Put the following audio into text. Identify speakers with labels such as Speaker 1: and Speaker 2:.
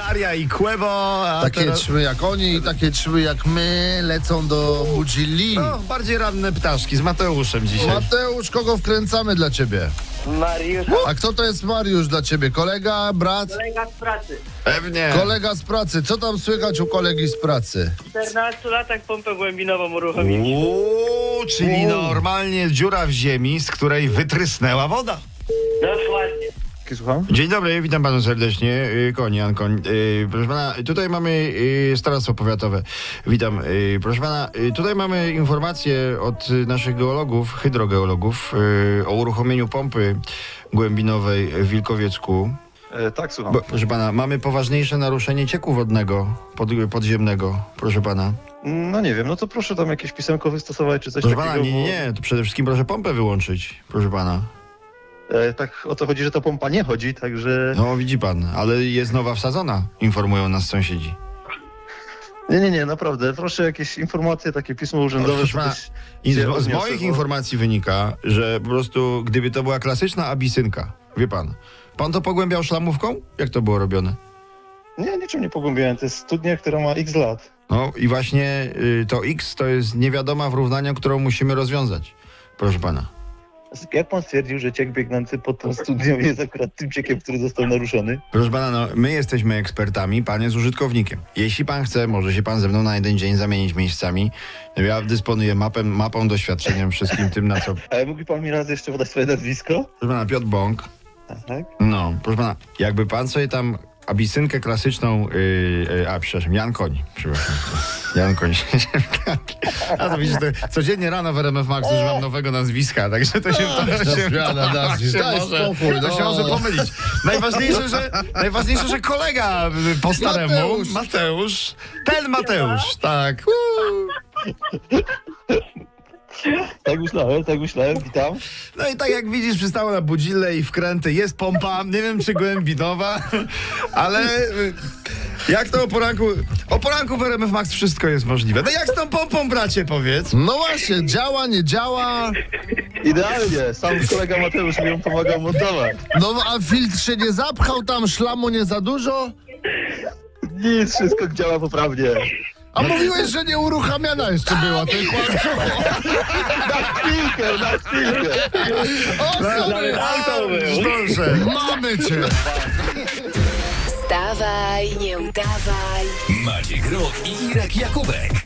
Speaker 1: Daria i Kłebo. A
Speaker 2: Takie
Speaker 1: teraz...
Speaker 2: ćmy jak oni i takie ćmy jak my lecą do Budzili.
Speaker 1: No, bardziej ranne ptaszki z Mateuszem dzisiaj.
Speaker 2: Mateusz, kogo wkręcamy dla ciebie?
Speaker 3: Mariusz,
Speaker 2: A kto to jest Mariusz dla ciebie? Kolega, brat?
Speaker 3: kolega z pracy.
Speaker 1: Pewnie.
Speaker 2: Kolega z pracy. Co tam słychać u kolegi z pracy?
Speaker 3: W 14 latach pompę głębinową uruchomiliśmy.
Speaker 1: Uuu, czyli normalnie dziura w ziemi, z której wytrysnęła woda.
Speaker 3: Dokładnie.
Speaker 4: Słucham?
Speaker 1: Dzień dobry, witam panu serdecznie. Jan Koń. Proszę pana, tutaj mamy starostwo powiatowe. Witam. Proszę pana, tutaj mamy informacje od naszych geologów, hydrogeologów o uruchomieniu pompy głębinowej w Wilkowiecku.
Speaker 4: Tak, słucham.
Speaker 1: Proszę pana, mamy poważniejsze naruszenie cieku wodnego podziemnego, proszę pana.
Speaker 4: No nie wiem, no to proszę tam jakieś pisemko wystosować czy coś
Speaker 1: Proszę
Speaker 4: takiego.
Speaker 1: pana, nie, to przede wszystkim proszę pompę wyłączyć, proszę pana.
Speaker 4: Tak o to chodzi, że ta pompa nie chodzi, także...
Speaker 1: No widzi pan, ale jest nowa wsadzona, informują nas sąsiedzi.
Speaker 4: Nie, naprawdę. Proszę jakieś informacje, takie pismo urzędowe.
Speaker 1: Proszę pana,
Speaker 4: żebyś
Speaker 1: I
Speaker 4: się
Speaker 1: z
Speaker 4: odniosł,
Speaker 1: moich
Speaker 4: bo-
Speaker 1: informacji wynika, że po prostu gdyby to była klasyczna abisynka, wie pan, pan to pogłębiał szlamówką? Jak to było robione?
Speaker 4: Nie, niczym nie pogłębiałem. To jest studnia, która ma x lat.
Speaker 1: No i właśnie to X to jest niewiadoma w równaniu, którą musimy rozwiązać, proszę pana.
Speaker 4: Jak pan stwierdził, że ciek biegnący pod tą studnią jest akurat tym ciekiem, który został naruszony?
Speaker 1: Proszę pana, no my jesteśmy ekspertami, pan jest użytkownikiem. Jeśli pan chce, może się pan ze mną na jeden dzień zamienić miejscami. Ja dysponuję mapą, doświadczeniem, wszystkim tym, na co...
Speaker 4: Ale mógłby pan mi raz jeszcze podać swoje nazwisko?
Speaker 1: Proszę pana, Piotr Bąk.
Speaker 4: Tak?
Speaker 1: No, proszę pana, jakby pan sobie tam abisynkę klasyczną, przepraszam, Jan Koń, przepraszam. Jan Koń. A to widzisz, to codziennie rano w RMF Max używam nowego nazwiska, także to się
Speaker 2: zmiana nazwisk, daj spokój,
Speaker 1: to się
Speaker 2: no.
Speaker 1: może pomylić. Najważniejsze, że kolega po staremu, Mateusz, ten Mateusz, tak.
Speaker 4: Tak myślałem, witam.
Speaker 1: No i tak jak widzisz, przystało na budzille i wkręty, jest pompa, nie wiem czy głębinowa, ale jak to o poranku w RMF Max wszystko jest możliwe. No jak z tą pompą, bracie, powiedz?
Speaker 2: No właśnie, działa, nie działa.
Speaker 4: Idealnie, sam kolega Mateusz mi ją pomagał montować.
Speaker 2: No a filtr się nie zapchał, tam szlamu nie za dużo.
Speaker 4: Nic, wszystko działa poprawnie.
Speaker 2: A mówiłeś, że nie uruchamiana jeszcze była, to jest kłamstwo.
Speaker 4: Na chwilkę.
Speaker 2: O, sorry,
Speaker 1: Proszę.
Speaker 2: mamy cię.
Speaker 5: Wstawaj, nie udawaj.
Speaker 6: Maciek Rok i Irek Jakubek.